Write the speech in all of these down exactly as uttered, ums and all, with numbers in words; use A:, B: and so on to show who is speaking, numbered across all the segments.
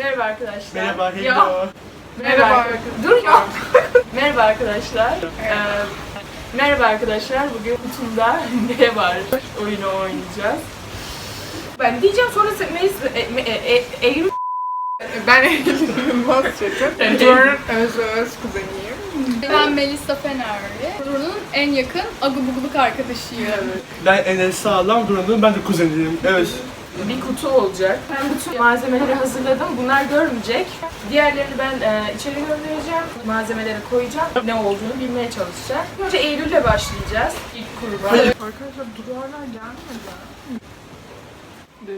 A: Merhaba arkadaşlar.
B: Merhaba, hello.
A: Ya.
C: Merhaba.
A: Merhaba. Dur ya. Merhaba arkadaşlar. Ee, merhaba arkadaşlar. Bugün kutumda ne var? Oyunu oynayacağız. Ben diyeceğim sonra sen Melis e, e, e, Eylül
C: Ben Eylül Yılmaz Çetin. Duru'nun öz öz kuzeniyim.
D: Ben Melisa Fenerli. Duru'nun en yakın agubuguluk arkadaşıyım.
B: Ben Enes Sağlam Duran'ın, ben de kuzeniyim. Evet.
A: bir kutu olacak. Ben bütün malzemeleri hazırladım. Bunlar görmeyecek. Diğerlerini ben e, içeri göndereceğim. Malzemeleri koyacağım. Ne olduğunu bilmeye çalışacağım. Önce Eylül'le başlayacağız. İlk kurban.
C: Arkadaşlar Duru hala gelmedi. Dur.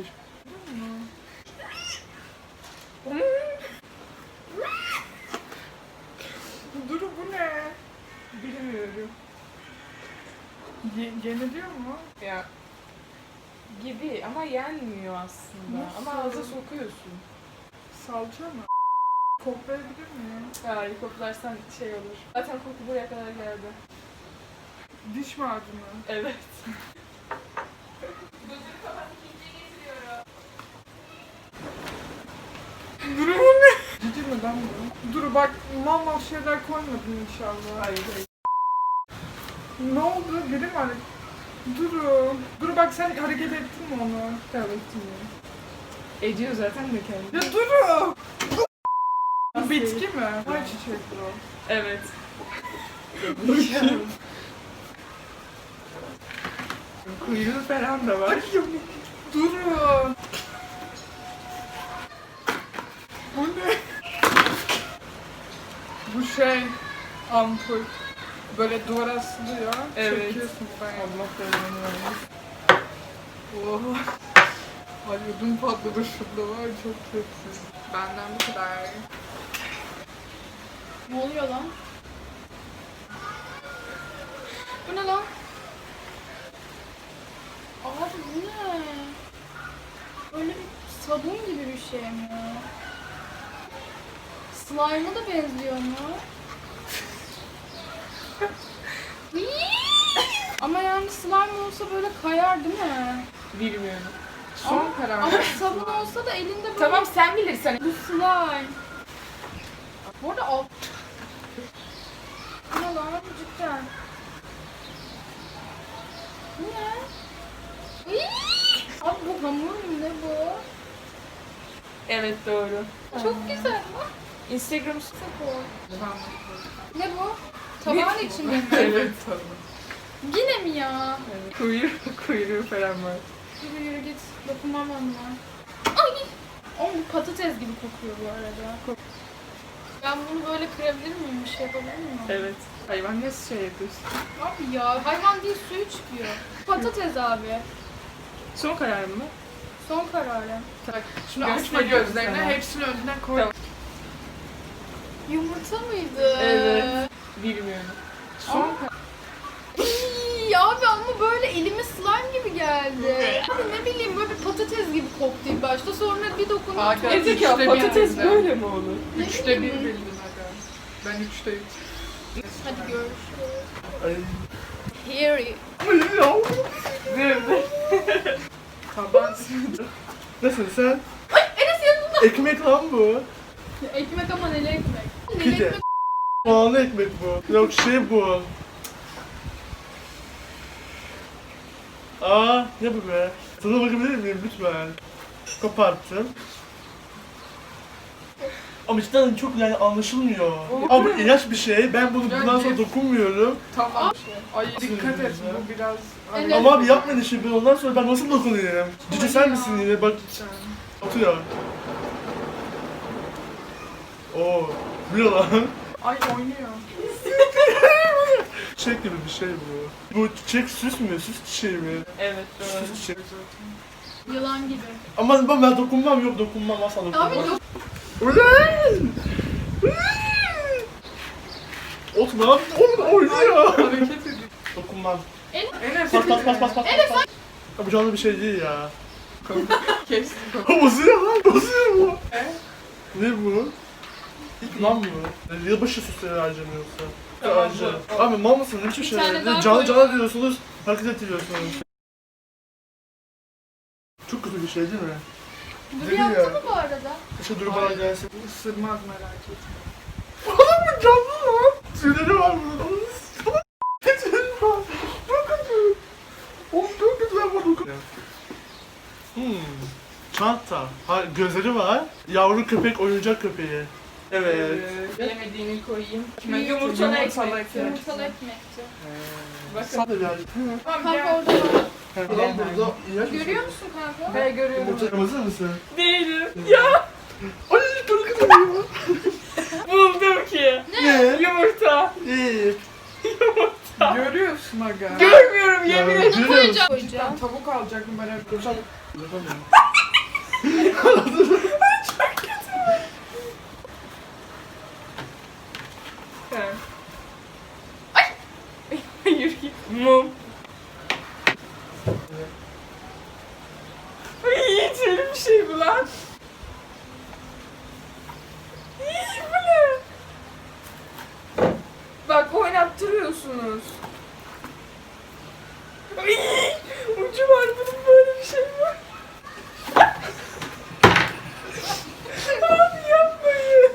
C: Duru bu ne? Bilmiyorum. Ye yeniliyor mu?
A: Ya gibi ama yenmiyor aslında.
C: Nasıl?
A: Ama ağza sokuyorsun.
C: Salça mı? Koklayabilir miyim?
A: Hayır, koklarsan şey olur. Zaten koku buraya kadar geldi.
C: Diş macunu.
A: Evet.
C: Duru bu ne? Ciddi mi lan bu? Duru bak mal mal şeyler koymadın inşallah.
A: Hayır, hayır.
C: Ne oldu? Biri mi hareket? Duru. Duru bak sen hareket ettin mi onu?
A: Tamam, ettim ya. Ediyor zaten de kendi.
C: Ya Duru! Bu bitki mi? Ay çiçek bu.
A: Evet. Kuyruğu falan da var.
C: Duru! Bu ne? Bu şey ampul. Böyle duvara asılıyor.
A: Evet.
C: Çekiyorsun ben.
A: Allah belanı vermesin.
C: Oha. Ay ödüm patladı şurada var çok kötü. Benden bu kadar.
D: Ne oluyor lan? Bu ne lan? Abi bu ne? Öyle bir sabun gibi bir şey mi? Slime'a da benziyor mu? Ama yani slime olsa böyle kayar değil mi?
A: Bilmiyorum.
C: Son
D: Ama-
C: karar.
D: Ama sabun olsa da elinde böyle
A: Tamam, sen bilirsen.
D: bu slime. Bu arada alt... Bu ne lan cidden? Bu ne? Iiii! Abi bu hamur mu ne bu?
A: Evet, doğru.
D: Çok güzel lan.
A: Instagram
C: Tamam.
D: Ne bu? Tabağın içinde mi?
A: Evet.
C: Tamam.
D: Yine mi ya?
A: Evet. Kuyruğu, kuyruğu falan var.
D: Yürü yürü git. Dokunmam onunla. Ay! Oğlum bu patates gibi kokuyor bu arada. Ben bunu böyle kırabilir miyim? Bir şey yapabilir miyim?
A: Evet. Hayvan nasıl şey yapıyorsun?
D: Abi ya hayvan değil suyu çıkıyor. Patates abi.
A: Son kararın mı?
D: Son kararım.
A: Tak.
C: Şimdi açma gözlerini, hepsini önden koy.
A: Tamam.
D: Yumurta mıydı?
A: Evet. Bilmiyorum.
C: Son
D: Aa. İyi, abi ama böyle elime slime gibi geldi. Abi ne bileyim böyle bir patates gibi koktu ilk başta sonra bir dokununca
C: Aga,
D: çok-
A: Ezik ya,
C: üçte bir
A: patates
C: bildim.
A: böyle mi olur?
D: Ne
C: Üçte bir
D: bileyim.
C: bildim aga. Ben üçte üç.
D: Hadi görüşürüz.
B: Ay.
D: Here you.
A: Dur dur.
C: Taban.
B: Nasılsın sen?
D: Enes yanında.
B: Ekmek lan bu.
D: Ekmek ama neli ekmek? Neli
B: Pide.
D: ekmek.
B: Soğanlı ekmek bu. Yok şey bu. Aa, ne bu be? Sana bakabilir miyim lütfen? Koparttım. Ama cidden çok yani anlaşılmıyor. Ama bu ilaç bir şey. Ben bunu bundan sonra dokunmuyorum.
C: Tamam. Ay dikkat et bu biraz.
D: Evet.
B: Ama abi yapmayın işi. Ben ondan sonra ben nasıl dokunayım? Cici sen misin yine? Bak atıyor. Oo, bu ne lan?
C: Ay oynuyor.
B: Çiçek gibi bir şey bu. Bu çiçek süs mü? Süs çiçeği mi?
A: Evet, doğru.
B: Süs çiçeği.
D: Yılan gibi.
B: Ama ben, ben dokunmam, yok dokunmam, asla
D: Abi
B: dokunmam.
D: yok.
B: Ulan! Ot ne yaptı? Oğlum oynuyor.
C: Hareket ediyor.
B: Dokunmam.
C: Enes
B: Pas pas pas pas pas. Enes pas. Ya bu canlı bir şey değil ya.
C: Kestim.
B: Bozuyor lan, bozuyor bu.
C: E?
B: Ne bu? Lan bu. Yılbaşı süsleri harcamıyorsa.
C: Tamam,
B: Harca.
C: bu.
B: Abi mal mısın? Ne biçim
D: Bir
B: şeyler?
D: tane daha
B: Canlı
D: koy.
B: canlı diyorsunuz, hareket ettiriyorsunuz. Çok kötü bir şey değil mi?
D: Dur
B: Geliyor.
D: yaptı mı bu arada?
B: Şu dur bana gelsin.
C: Isırmaz merak etme.
B: Oğlum bu canlı lan. Tüyleri var bunun. Tüyleri var. Çok kötü. Oğlum çok kötü lan bu. Hmm. Çanta. Ha, gözleri var. Yavru köpek, oyuncak köpeği. Evet.
A: Bilemediğini koyayım.
C: Kime
A: Yumurtalı
C: getirdin?
A: ekmek.
C: Yumurtalı ekmek.
D: Yumurtalı ekmekti.
A: Bakın.
B: Sen de yani.
A: Tamam
D: Kanka
A: gel.
D: orada var.
B: Lan burada ilaç mı?
D: Görüyor musun kanka?
A: He görüyorum.
B: Yumurta hazır mısın?
A: Değilim. Ya
B: Ay çok kötü ya.
A: buldum ki.
B: Ne?
A: Yumurta.
B: İyi.
C: Görüyorsun aga.
A: Görmüyorum yemin
B: Ya,
A: ederim.
B: görüyor
D: Koyacağım.
B: musun?
D: Koyacağım.
C: Ben tavuk alacaktım ben hep.
B: Dur sen. Yapamıyorum.
A: He. Ay. Yürü git. Mum. Ay içeri bir şey bu lan. İyi bu ne? Bak oynattırıyorsunuz. Ay, ucu var bunun böyle bir şey var. Abi yapmayın.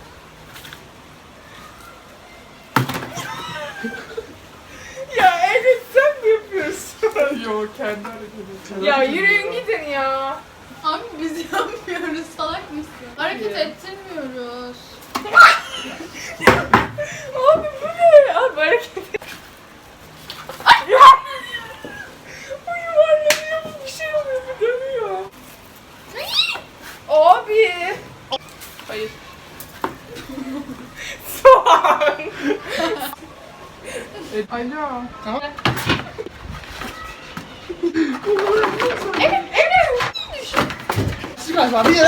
A: Ya evet sen mi yapıyorsun?
C: Yok kendi hareketi.
A: Ya yürüyün gidin ya.
D: Abi biz yapmıyoruz. Salak mısın? Hareket
A: Ya.
D: ettirmiyoruz.
A: Abi bu ne? Abi hareket et. Ya. Bu yuvarlanıyor bu bir şey oluyor bir dönüyor. Abi. Hayır. Soğan.
C: E, alo.
A: Evet evet.
B: Çıkar bir yere.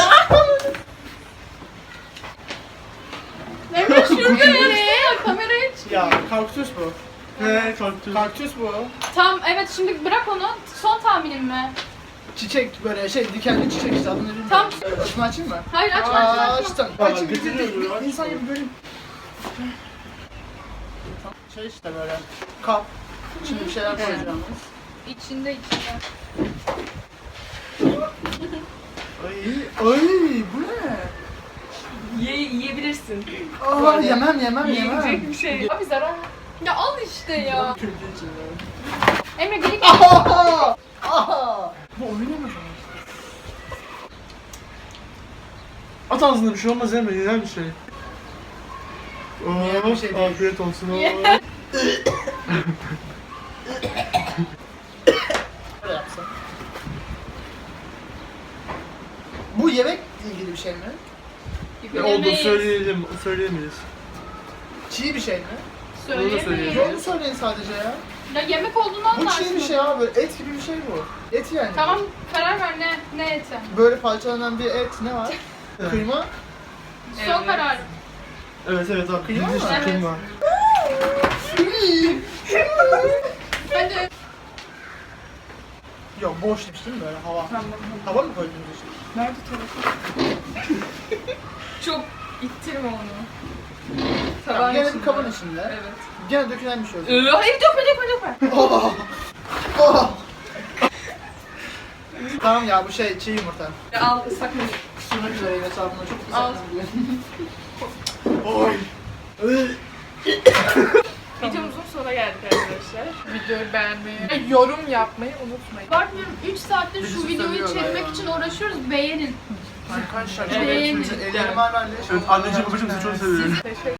D: Emre şurada ne? Kamerayı çık.
B: Ya kaktüs bu. He kaktüs.
E: Kaktüs bu.
D: Tamam evet şimdi bırak onu. Son tahminim mi?
E: Çiçek böyle şey dikenli çiçek işte adını bilmiyorum.
D: Tam-
E: Açma açayım mı?
D: Hayır açma
E: Aa,
D: açma açma.
E: açtım.
B: Aa,
E: Açayım bir
B: götürüyor
E: bir-
B: bunu,
E: bir insan gibi böyle. Şey işte böyle kap. Şimdi bir şeyler koyacağımız.
D: İçinde içinde.
E: Ay ay bu ne?
A: Ye, yiyebilirsin.
E: Aa yemem yemem yemem.
A: Yiyecek bir şey. Abi zarar.
D: Ya al işte ya.
E: Kötü içinde.
D: Emre geri gel.
E: Aha! Aha! Bu oyunu mu?
B: At ağzında bir şey olmaz Emre, yenen bir şey.
E: Yenen bir şey
B: Oo,
E: değil.
B: afiyet olsun. Oo.
E: Böyle yapsam. Bu yemekle ilgili bir şey mi?
B: Ne oldu söyleyelim, söyleyemeyiz.
E: Çiğ bir şey mi?
B: Onu da
D: Söyleyemeyiz.
B: söyleyelim.
E: Onu söyleyin sadece ya.
D: Ya yemek olduğunu
E: Bu
D: anlarsın.
E: çiğ bir şey abi. Et gibi bir şey bu. Et yani.
D: Tamam karar ver ne ne eti.
E: Böyle parçalanan bir et ne var?
B: Evet.
E: Kıyma.
D: Son
A: Evet.
D: karar.
B: Evet evet abi,
E: Kıyma
B: bildiğin
E: mı?
B: işte
D: Evet.
B: kıyma.
D: Hadi.
E: Yok boş demiştim böyle hava.
C: Tamam.
E: Hava mı koydunuz için?
C: Nerede telefon?
A: Çok ittirme onu.
E: Tamam,
A: Taban
E: gene
A: içinde.
E: bir kabın içinde.
A: Evet.
E: Gene dökülen bir şey olsun.
A: Ee, hayır dökme dökme dökme.
E: Oh! Oh! Tamam ya bu şey çiğ yumurta.
A: Al ıslak mendil.
E: Kusurmak üzereyim hesabına çok
A: Al.
E: güzel.
B: Oy.
A: Videomuzun sonuna geldik arkadaşlar.
C: Videoyu beğenmeyi, ve yorum yapmayı unutmayın.
D: Bakmıyorum üç saattir
E: Birisi
D: şu videoyu
E: söylüyorlar
D: çekmek
E: ya.
D: için uğraşıyoruz. Beğenin.
E: Arkadaşlar
A: Evet,
E: evet,
A: cidden.
E: ellerim hala
B: Evet anneciğim babacığım sizi çok seviyorum.
C: Teşekkür